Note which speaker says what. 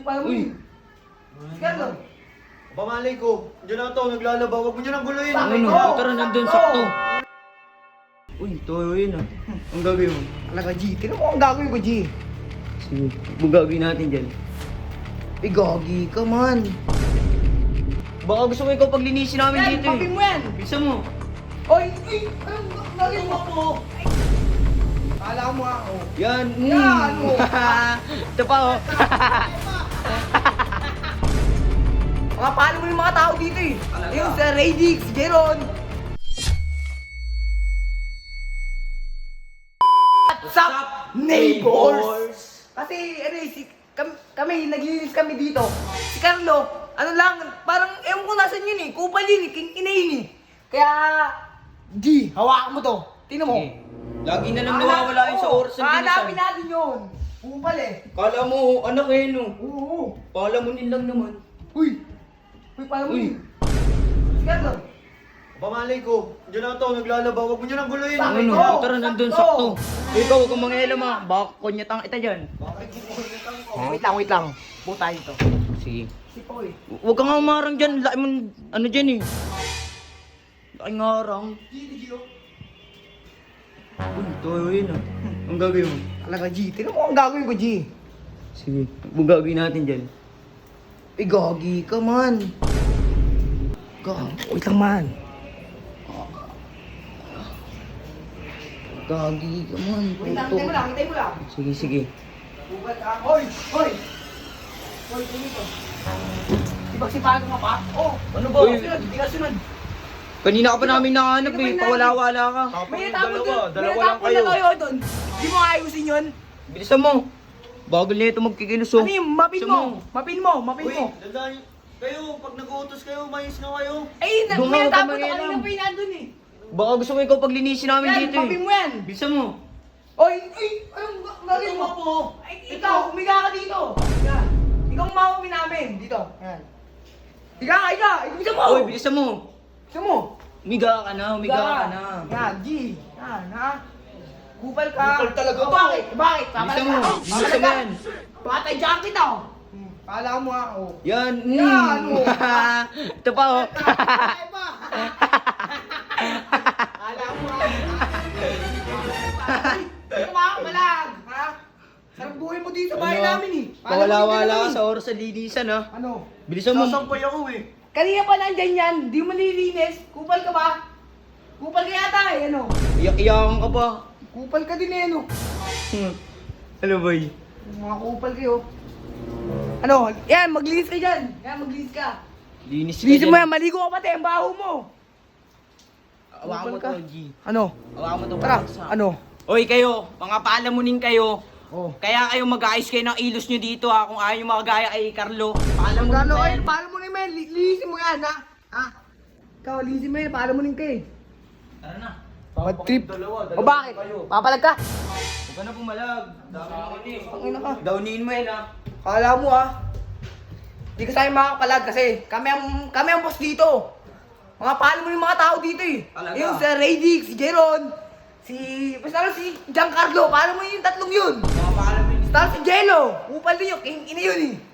Speaker 1: Kupal mo yun. Carlo.
Speaker 2: Pamalay ko. Diyan na to, naglalaba. Huwag mo niyo nang guluhin.
Speaker 1: Bakit?
Speaker 3: Ano? Tara, nandun sakto. Uy, toyo yun ah. Ang gagawin mo?
Speaker 1: Alaga, G. Tignan mo ang gagawin ko, G.
Speaker 3: Sige, ang gagawin natin dyan.
Speaker 1: Eh, gagi ka man.
Speaker 3: Baka gusto mo ikaw paglinisin namin
Speaker 1: Yan,
Speaker 3: dito eh.
Speaker 1: papin mo yan.
Speaker 3: Bisa mo.
Speaker 1: Oy, anong gagawin mo po? Kala mo ako.
Speaker 3: Yan.
Speaker 1: Yan, oh.
Speaker 3: Ito pa oh.
Speaker 1: Mga paano mo yung mga tao dito eh. Yung sa Radix, Jeron. What's up, neighbors? Kasi ano eh, kami, naglilinis kami dito. Si Carlo, ano lang, parang ewan ko nasan yun eh. Kupal yun eh, king ina yun eh. Kaya, G, hawakan mo to. Tingnan mo.
Speaker 3: Sige. Lagi na lang nawawala yun sa oras ng
Speaker 1: hanapin
Speaker 3: binisan.
Speaker 1: natin yun. Kupal eh.
Speaker 3: Kala mo, anak eh no.
Speaker 1: Oo.
Speaker 3: Palamunin lang naman.
Speaker 1: Uy, paano mo
Speaker 3: Uy.
Speaker 1: yun? Si Carlo.
Speaker 2: Pamalay ko. Diyan na to, naglalaba. Huwag mo niyo nang guluhin.
Speaker 1: Bakit?
Speaker 3: Ano?
Speaker 1: Sakto.
Speaker 3: Tara, nandun
Speaker 1: Sakto.
Speaker 3: sakto. Ikaw, huwag kang mangialam ah. Baka kunyatang ita dyan.
Speaker 1: Wait lang. Buta ito.
Speaker 3: Sige.
Speaker 1: Si Poy.
Speaker 3: Huwag kang nga umarang dyan. Laki mo, ano dyan eh. Laki nga arang. Uy, toyo yun ah. Ang gagawin mo?
Speaker 1: Talaga, G. Tignan mo ang gagawin ko, G.
Speaker 3: Sige, ang gagawin natin dyan.
Speaker 1: Eh, gagi ka man. Wait lang man.
Speaker 3: Gagi ka man.
Speaker 1: Hintay mo lang.
Speaker 3: Sige, sige.
Speaker 1: Bubad ka. Hoy! Hoy, dito. Sipag-sipagan ka pa? Oh,
Speaker 3: Ano ba?
Speaker 1: Di ka sunod.
Speaker 3: Kanina ka pa namin nahanap
Speaker 1: Sino ba
Speaker 3: eh.
Speaker 1: yung
Speaker 3: Pawala-wala ka.
Speaker 1: May natapon doon.
Speaker 2: Dalawa
Speaker 1: May
Speaker 2: lang
Speaker 1: natapon
Speaker 2: kayo.
Speaker 1: na tayo doon. Di mo ayusin yun?
Speaker 3: Bilisan mo. Bagal na ito magkikiluso.
Speaker 1: Ano yung mapin
Speaker 3: Bilisan
Speaker 1: mo? Mapin mo.
Speaker 2: Uy, dandan. Kayo, pag nag-uutos kayo, mayos na kayo.
Speaker 1: Ay,
Speaker 3: Doon
Speaker 1: may
Speaker 3: ka
Speaker 1: natapon na
Speaker 3: mangialam.
Speaker 1: kanina pa yun nandun eh.
Speaker 3: Baka gusto mo ikaw paglinisin namin
Speaker 1: Yan,
Speaker 3: dito eh.
Speaker 1: mapin mo yan.
Speaker 3: Bilisan mo.
Speaker 1: Oy, anong gagawin mo po? Ay, ikaw, umiga ka dito. Yan. Ikaw ang mamamin namin. Dito. Yan. Higa. Ibisan mo.
Speaker 3: Uy, bilisan mo.
Speaker 1: Ibisan mo.
Speaker 3: Umiga ka na.
Speaker 1: Yan, G. Yan, ha? Kupal ka.
Speaker 2: Kupal talaga to.
Speaker 1: Bakit?
Speaker 3: Bilisan mo. Bilisan mo yan.
Speaker 1: Patay dyan kita, oh. Kala mo, ha? Oh.
Speaker 3: Yan.
Speaker 1: Yan, oh.
Speaker 3: Ito pa oh.
Speaker 1: Patay pa. Kala mo, ha? Ito ba? Malag. Ha? Sarap buhay mo dito sa bahay namin, eh.
Speaker 3: Pawala-wala ka sa oras sa linisan ha.
Speaker 1: Ano?
Speaker 3: Bilisan mo.
Speaker 2: Sasampay ako eh.
Speaker 1: Kanina pa nandyan yan, di mo nililinis. Kupal ka ba? Kupal ka yata eh, ano?
Speaker 3: Iyak-iyakan ka pa.
Speaker 1: Kupal ka din eh, ano?
Speaker 3: Ano boy?
Speaker 1: Mga kupal kayo. Ano? Yan, maglinis ka dyan. Yan, maglinis ka.
Speaker 3: Linis ka
Speaker 1: Linisin mo
Speaker 3: dyan.
Speaker 1: yan, maligo ka pati, ang baho mo.
Speaker 3: Awakan mo
Speaker 1: Kupal ka.
Speaker 3: to, G.
Speaker 1: Ano?
Speaker 3: Awakan mo to.
Speaker 1: Tara,
Speaker 3: sa-
Speaker 1: ano?
Speaker 3: Oy kayo, mga paalamunin kayo.
Speaker 1: Oh.
Speaker 3: Kaya kayo mag-ayos kayo ng ilos nyo dito ha. Kung ayaw yung mga gaya kay Carlo. Paalamunin
Speaker 1: Gano,
Speaker 3: ka
Speaker 1: ay,
Speaker 3: yan.
Speaker 1: paano mo naman? Linisin mo yan, ha? Ha? Ikaw, linisin mo yan, paano mo ka eh?
Speaker 3: Tara na.
Speaker 1: Bad trip.
Speaker 2: Dalawa
Speaker 1: O bakit? Papalag ka?
Speaker 3: Huwag ka na pumalag. Dami na kini.
Speaker 1: Pangina ka.
Speaker 3: Downin mo yan ha.
Speaker 1: Kala mo ah. Hindi ka sa'yo makakapalag kasi kami ang boss dito. Mga paano mo yung mga tao dito eh.
Speaker 3: Talaga?
Speaker 1: Yung sa Radix, si Jeron, basta si Giancarlo, paano mo yung tatlong yun?
Speaker 3: Mga paalamunin.
Speaker 1: Basta si Jello, upal din yun, king ina yun eh.